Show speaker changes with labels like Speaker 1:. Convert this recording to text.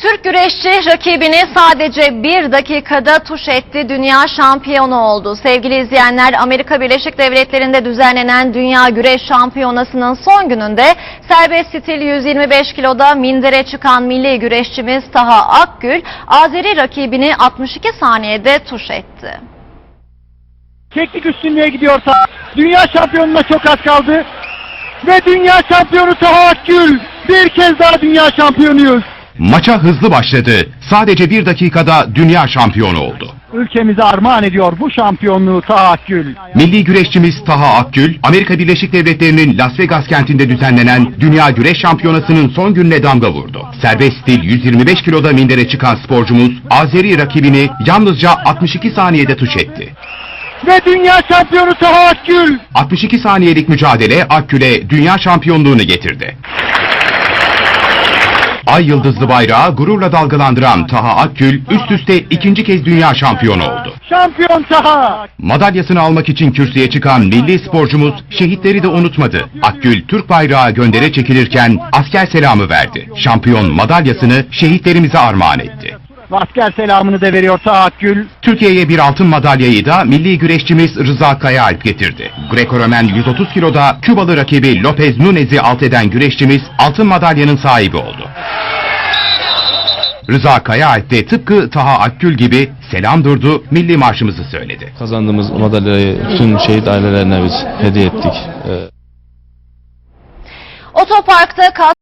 Speaker 1: Türk güreşçi rakibini sadece 1 dakikada tuş etti, dünya şampiyonu oldu. Sevgili izleyenler, Amerika Birleşik Devletleri'nde düzenlenen Dünya Güreş Şampiyonası'nın son gününde serbest stil 125 kiloda mindere çıkan milli güreşçimiz Taha Akgül, Azeri rakibini 62 saniyede tuş etti.
Speaker 2: Teknik üstünlüğe gidiyorsa dünya şampiyonuna çok az kaldı ve dünya şampiyonu Taha Akgül, bir kez daha dünya şampiyonuyuz.
Speaker 3: Maça hızlı başladı. Sadece 1 dakikada dünya şampiyonu oldu.
Speaker 2: Ülkemize armağan ediyor bu şampiyonluğu Taha Akgül.
Speaker 3: Milli güreşçimiz Taha Akgül, Amerika Birleşik Devletleri'nin Las Vegas kentinde düzenlenen Dünya Güreş Şampiyonası'nın son gününe damga vurdu. Serbest stil 125 kiloda mindere çıkan sporcumuz, Azeri rakibini yalnızca 62 saniyede tuş etti.
Speaker 2: Ve dünya şampiyonu Taha Akgül.
Speaker 3: 62 saniyelik mücadele Akgül'e dünya şampiyonluğunu getirdi. Ay yıldızlı bayrağı gururla dalgalandıran Taha Akgül üst üste ikinci kez dünya şampiyonu oldu.
Speaker 2: Şampiyon Taha.
Speaker 3: Madalyasını almak için kürsüye çıkan milli sporcumuz şehitleri de unutmadı. Akgül Türk bayrağı göndere çekilirken asker selamı verdi. Şampiyon madalyasını şehitlerimize armağan etti.
Speaker 2: Asker selamını da veriyor Taha Akgül.
Speaker 3: Türkiye'ye bir altın madalyayı da milli güreşçimiz Rıza Kayaalp getirdi. Greco-Romen 130 kiloda Kübalı rakibi Lopez Nunez'i alt eden güreşçimiz altın madalyanın sahibi oldu. Rıza Kayaalp de tıpkı Taha Akgül gibi selam durdu, milli marşımızı söyledi.
Speaker 4: Kazandığımız madalyayı bütün şehit ailelerine biz hediye ettik.
Speaker 1: Otoparkta